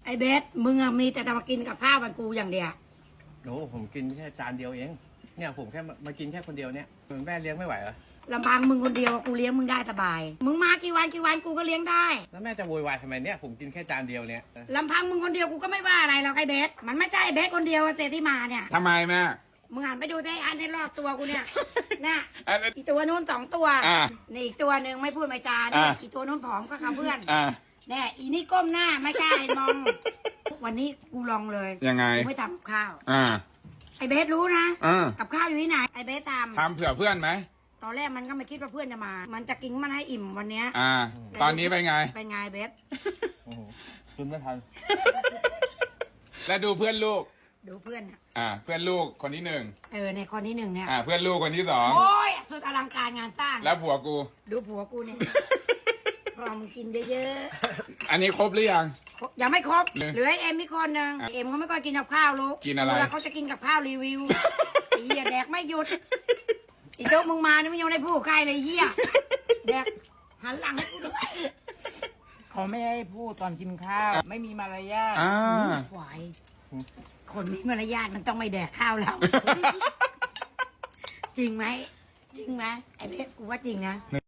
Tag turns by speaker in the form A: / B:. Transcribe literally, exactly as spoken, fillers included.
A: ไอ้เบสมึงอะมีแต่จะมากินกับข้าวมันกูอย่างเดียว
B: โอ้ผมกินแค่จานเดียวเองเนี่ยผมแค่มากินแค่คนเดียวเนี่ยแม่เลี้ยงไม่ไหวเหรอ
A: ลำพังมึงคนเดียวกูเลี้ยงมึงได้สบาย มึงมากี่วันกี่วันกูก็เลี้ยงได้
B: แล้วแม่จะโวยวายทำไมเนี่ยผมกินแค่จานเดียวเนี่ย
A: ลำพังมึงคนเดียวกูก็ไม่ว่าอะไรหรอกไอ้เบสมันไม่ใช่ไอ้เบสคนเดียวเตที่มาเนี่ย
C: ทำไมแม่
A: มึงหันไปดูได้อันในรอบตัวกูเนี่ยน่ะ
C: อันนั้น
A: อีตัวนู้นสองตัว
C: อ่า
A: นี่อีกตัวหนึ่งไม่พูดไม่จา
C: อ่า
A: เนี่ยอีตัวนู้นผอมก็เขาเพื่อน
C: อ่า
A: แน่อีนี่ก้มหน้าไม่กล้าเห็นมอง วันนี้กูลองเลย
C: ยังไง
A: กูไม่ทำกับข้าว
C: อ่า
A: ไอ้เบสรู้นะ
C: อ่า
A: กับข้าวอยู่ที่ไหนไอ้เบสทำ
C: ทำเผื่อเพื่อนไหม
A: ตอนแรกมันก็ไม่คิดว่าเพื่อนจะมา มันจะกินมันให้อิ่มวันเนี้ย
C: อ่า ตอนนี้เป็นไง
A: เป็นไงเบส
B: โอ้โหคุณไม่ทัน
C: แล้วดูเพื่อนลูก
A: ดูเพื่อนอะ
C: อ่า เพื่อนลูกคนที่หนึ่ง
A: เออในคนที่หนึ่งเนี่ย
C: อ่า เพื่อนลูกคนที่สอง
A: โอ้ยสุดอลังการงานสร้าง
C: แล้วผัวกู
A: ดูผัวกูเนี่ยพอมึงกินเยอะ
C: อันนี้ครบหรือยัง
A: ๆยังไม่ครบ
C: เหลือ
A: เหลือไอ้เอ็มอีกคนหนึ่งเอ็มเขาไม่ค่อยกินกับข้าวลูก
C: กินอะไร
A: เวลาเขาจะกินกับข้าวรีวิวไอ้เหี้ยแดกไม่หยุดอีโต๊ะมึงมานี่ไม่ยังได้พูดใครเลยเหี้ยแดกหันหลังให้กูด้วย
D: เขาไม่ให้พูดตอนกินข้าว ไม่มีมารยาท
C: อ่า
A: ไหวคนมีมารยาทมันต้องไม่แดกข้าวเรา จริงไหมจริงไหมไอ้เพชรกูว่าจริงนะ